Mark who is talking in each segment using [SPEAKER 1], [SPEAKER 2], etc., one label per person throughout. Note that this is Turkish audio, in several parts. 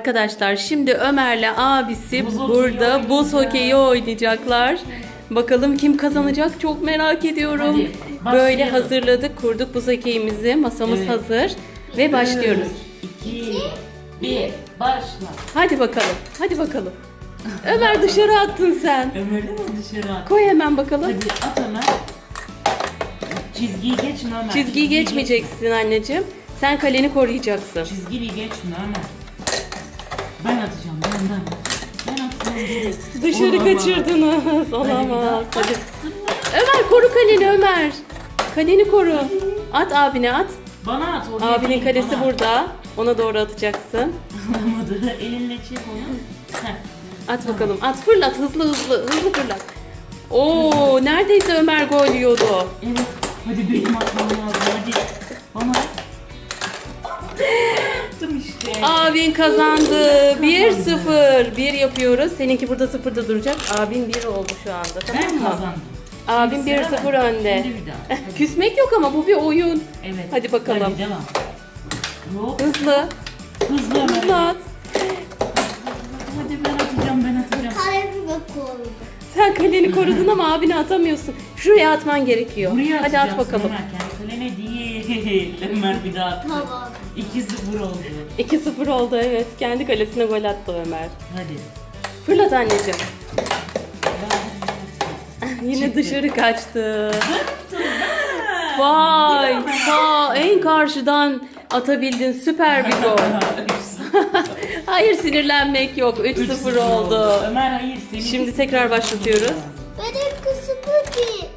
[SPEAKER 1] Arkadaşlar şimdi Ömer'le abisi
[SPEAKER 2] Buz
[SPEAKER 1] burada buz
[SPEAKER 2] oynayacağız.
[SPEAKER 1] hokeyi oynayacaklar. Bakalım kim kazanacak, çok merak ediyorum.
[SPEAKER 2] Hadi,
[SPEAKER 1] Böyle
[SPEAKER 2] başlayalım.
[SPEAKER 1] hazırladık, kurduk buz hokeyimizi. Masamız
[SPEAKER 2] Evet.
[SPEAKER 1] hazır ve başlıyoruz.
[SPEAKER 2] 2, 1, başla.
[SPEAKER 1] Hadi bakalım, hadi bakalım. Ömer dışarı attın sen.
[SPEAKER 2] Ömer'le mi dışarı at?
[SPEAKER 1] Koy hemen bakalım.
[SPEAKER 2] Hadi at Ömer. Çizgiyi geçme Ömer.
[SPEAKER 1] Çizgiyi geçmeyeceksin anneciğim. Sen kaleni koruyacaksın.
[SPEAKER 2] Çizgiyi geçme Ömer. Ben atacağım, ben atacağım.
[SPEAKER 1] Dışarı
[SPEAKER 2] Olamaz.
[SPEAKER 1] kaçırdınız.
[SPEAKER 2] bir
[SPEAKER 1] Olamaz.
[SPEAKER 2] daha.
[SPEAKER 1] Hadi. Ömer koru kaleni Ömer. Kaleni koru. At abine at.
[SPEAKER 2] Bana at. oraya
[SPEAKER 1] Abinin
[SPEAKER 2] değil,
[SPEAKER 1] kalesi
[SPEAKER 2] bana.
[SPEAKER 1] burada. Ona doğru atacaksın.
[SPEAKER 2] Olamadı. Elinle çek onu. Heh.
[SPEAKER 1] At bakalım. At fırlat hızlı hızlı. Hızlı fırlat. Oo neredeyse Ömer gol yiyordu.
[SPEAKER 2] Evet. Hadi benim atmam lazım. Hadi. Bana. Attım işte.
[SPEAKER 1] Abin kazandı. 1-0. 1 yapıyoruz. Seninki burada 0'da duracak. Abin 1 oldu şu anda. Tamam
[SPEAKER 2] Ben
[SPEAKER 1] mı?
[SPEAKER 2] kazandım.
[SPEAKER 1] Abin
[SPEAKER 2] Şimdi sıra
[SPEAKER 1] 1-0
[SPEAKER 2] bende.
[SPEAKER 1] önde.
[SPEAKER 2] Şimdi bir daha. Hadi.
[SPEAKER 1] Küsmek yok ama bu bir oyun.
[SPEAKER 2] Evet.
[SPEAKER 1] Hadi bakalım.
[SPEAKER 2] Hadi devam. Hop.
[SPEAKER 1] Hızlı.
[SPEAKER 2] Hızlı Ömer.
[SPEAKER 1] Hızlı at.
[SPEAKER 2] Hadi ben atacağım.
[SPEAKER 3] Kalemi de koydum.
[SPEAKER 1] Sen kaleni korudun ama abine atamıyorsun. Şuraya atman gerekiyor.
[SPEAKER 2] Buraya
[SPEAKER 1] Hadi at
[SPEAKER 2] atacaksın
[SPEAKER 1] bakalım.
[SPEAKER 2] Ömer. Kendi kalene değil. Ömer bir daha attı.
[SPEAKER 3] Tamam.
[SPEAKER 2] 2-0 oldu.
[SPEAKER 1] 2-0 oldu evet. Kendi kalesine gol attı Ömer.
[SPEAKER 2] Hadi.
[SPEAKER 1] Fırlat anneciğim. Yine
[SPEAKER 2] Çıktı.
[SPEAKER 1] dışarı kaçtı. Vay! En karşıdan atabildin. Süper bir gol. Hayır sinirlenmek yok. 3-0 oldu.
[SPEAKER 2] Ömer hayır.
[SPEAKER 1] Şimdi tekrar başlatıyoruz.
[SPEAKER 3] Benim kızım değil.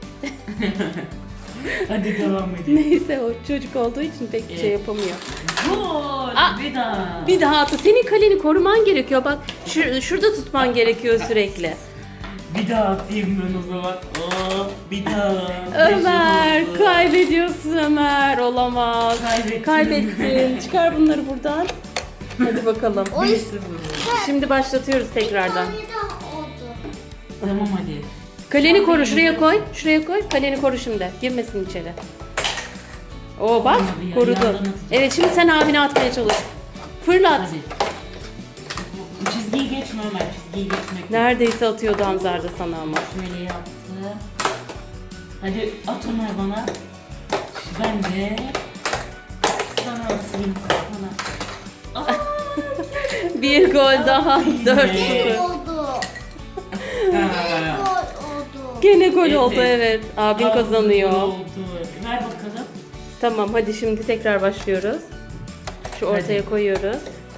[SPEAKER 2] Hadi devam edelim.
[SPEAKER 1] Neyse o çocuk olduğu için pek bir şey yapamıyor.
[SPEAKER 2] Gol.
[SPEAKER 1] Aa,
[SPEAKER 2] Bir daha.
[SPEAKER 1] Bir daha atı. Senin kaleni koruman gerekiyor. Bak şurada tutman gerekiyor sürekli.
[SPEAKER 2] Bir daha atayım ben o zaman. Oh, bir daha.
[SPEAKER 1] Ömer
[SPEAKER 2] Beş oldu.
[SPEAKER 1] kaybediyorsun Ömer. Olamaz.
[SPEAKER 2] Kaybettim.
[SPEAKER 1] Kaybettin. Çıkar bunları buradan. Hadi bakalım.
[SPEAKER 2] 1-0 oldu.
[SPEAKER 1] Şimdi başlatıyoruz tekrardan.
[SPEAKER 3] Tane daha oldu.
[SPEAKER 2] Tamam hadi.
[SPEAKER 1] Kaleni koru. Şuraya koy. Şuraya koy. Kaleni koru şimdi. Girmesin içeri. Oo bak
[SPEAKER 2] Olmadı ya,
[SPEAKER 1] korudu.
[SPEAKER 2] yandan atacağım.
[SPEAKER 1] Evet şimdi sen abine atmaya çalış. Fırlat.
[SPEAKER 2] Hadi. Bu çizgiyi geçme Ömer. Çizgiyi geçmek yok.
[SPEAKER 1] Neredeyse atıyordu Hamzar da sana ama.
[SPEAKER 2] Şöyle yaptım. Hadi at Ömer bana. Ben de sana atayım. Bana. Aa,
[SPEAKER 1] Bir gol daha.
[SPEAKER 2] Yine.
[SPEAKER 1] 4-0.
[SPEAKER 3] Oldu.
[SPEAKER 2] ha.
[SPEAKER 3] Gol oldu.
[SPEAKER 1] Gene gol
[SPEAKER 2] Evet.
[SPEAKER 1] oldu evet. Abin
[SPEAKER 2] Aa,
[SPEAKER 1] kazanıyor.
[SPEAKER 2] gol oldu. Ver bakalım.
[SPEAKER 1] Tamam hadi şimdi tekrar başlıyoruz. Şu ortaya
[SPEAKER 2] Hadi.
[SPEAKER 1] koyuyoruz.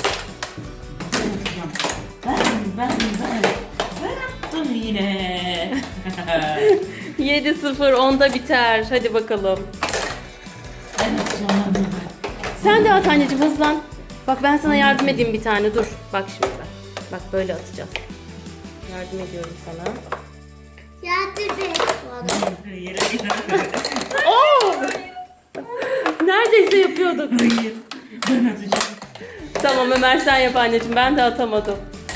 [SPEAKER 2] Ben atacağım. Ben attım yine.
[SPEAKER 1] 7-0 onda biter. Hadi bakalım.
[SPEAKER 2] Ben atacağım.
[SPEAKER 1] Sen de at anneciğim hızlan. Bak ben sana yardım edeyim bir tane dur. Bak şimdi bak. Bak böyle atacağız. Yardım ediyorum sana.
[SPEAKER 3] Yardım et bana.
[SPEAKER 2] Yere gider.
[SPEAKER 1] Oo! Neredeyse yapıyorduk.
[SPEAKER 2] Hayır. Ben atacağım.
[SPEAKER 1] Tamam Ömer sen yap anneciğim. Ben de atamadım.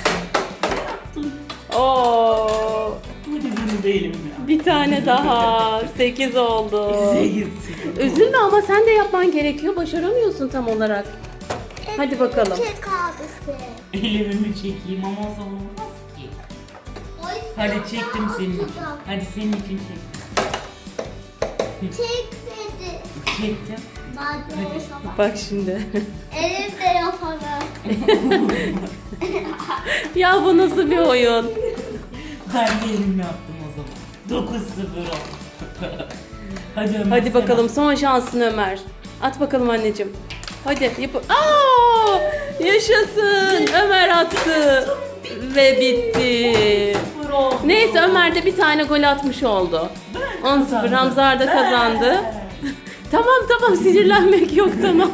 [SPEAKER 1] Oo!
[SPEAKER 2] Hadi bunu değilim ya.
[SPEAKER 1] Bir tane daha. 8 oldu.
[SPEAKER 2] Bize gitsin.
[SPEAKER 1] Üzülme ama sen de yapman gerekiyor. Başaramıyorsun tam olarak. Hadi bakalım.
[SPEAKER 3] Çek abisi.
[SPEAKER 2] Ellerimi çekeyim ama o zaman olmaz ki. Hadi çektim senin için. Hadi senin için çektim.
[SPEAKER 3] Çek dedi.
[SPEAKER 2] Çektim.
[SPEAKER 3] Ben de o zaman.
[SPEAKER 1] Bak şimdi.
[SPEAKER 3] Elimde yaparım.
[SPEAKER 1] Ya bu nasıl bir oyun?
[SPEAKER 2] Ben de elimle yaptım o zaman. 9-0 oldu. Hadi Ömer.
[SPEAKER 1] Hadi
[SPEAKER 2] sen
[SPEAKER 1] bakalım
[SPEAKER 2] at.
[SPEAKER 1] son şansın Ömer. At bakalım anneciğim. Hadi yap. Aa! Yaşasın. Ömer attı. Ve bitti.
[SPEAKER 2] 0 oldu.
[SPEAKER 1] Neyse Ömer de bir tane gol atmış oldu. 10-0 Hamzar da kazandı. Tamam sinirlenmek yok tamam.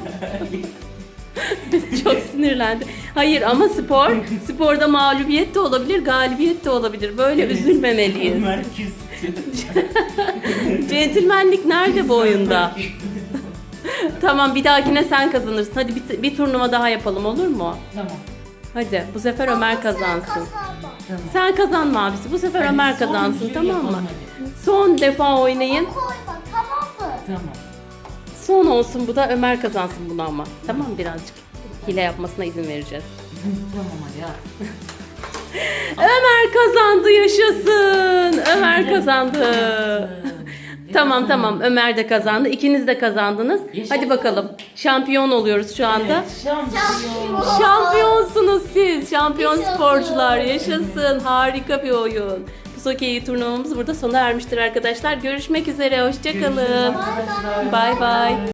[SPEAKER 1] Çok sinirlendi. Hayır ama sporda mağlubiyet de olabilir, galibiyet de olabilir. Böyle üzülmemeliyiz.
[SPEAKER 2] Ömer küstü.
[SPEAKER 1] Centilmenlik nerede bu oyunda? Tamam bir dahakine sen kazanırsın. Hadi bir turnuva daha yapalım olur mu?
[SPEAKER 2] Tamam.
[SPEAKER 1] Hadi bu sefer Ömer kazansın.
[SPEAKER 3] Kazanma.
[SPEAKER 2] Tamam.
[SPEAKER 1] Sen kazanma abisi. Bu sefer
[SPEAKER 2] Hadi
[SPEAKER 1] Ömer
[SPEAKER 2] son
[SPEAKER 1] kazansın
[SPEAKER 2] bir
[SPEAKER 1] tamam mı?
[SPEAKER 2] yapalım hadi.
[SPEAKER 1] Son defa oynayın.
[SPEAKER 3] Koyma tamam mı?
[SPEAKER 2] Tamam.
[SPEAKER 1] Son olsun bu da Ömer kazansın bunu ama. Tamam birazcık hile yapmasına izin vereceğiz.
[SPEAKER 2] Tamam hadi at.
[SPEAKER 1] Ömer kazandı, yaşasın. Ömer kazandı. Tamam tamam, Ömer de kazandı. İkiniz de kazandınız.
[SPEAKER 2] Yaşasın.
[SPEAKER 1] Hadi bakalım. Şampiyon oluyoruz şu anda.
[SPEAKER 2] Evet, şampiyon.
[SPEAKER 1] Şampiyonsunuz siz. Şampiyon
[SPEAKER 3] Yaşasın.
[SPEAKER 1] sporcular. Yaşasın. Harika bir oyun. Pusokeyi turnuvamız burada sona ermiştir arkadaşlar. Görüşmek üzere. Hoşça
[SPEAKER 2] Görüşürüz
[SPEAKER 1] kalın.
[SPEAKER 2] arkadaşlar.
[SPEAKER 1] Bay bay.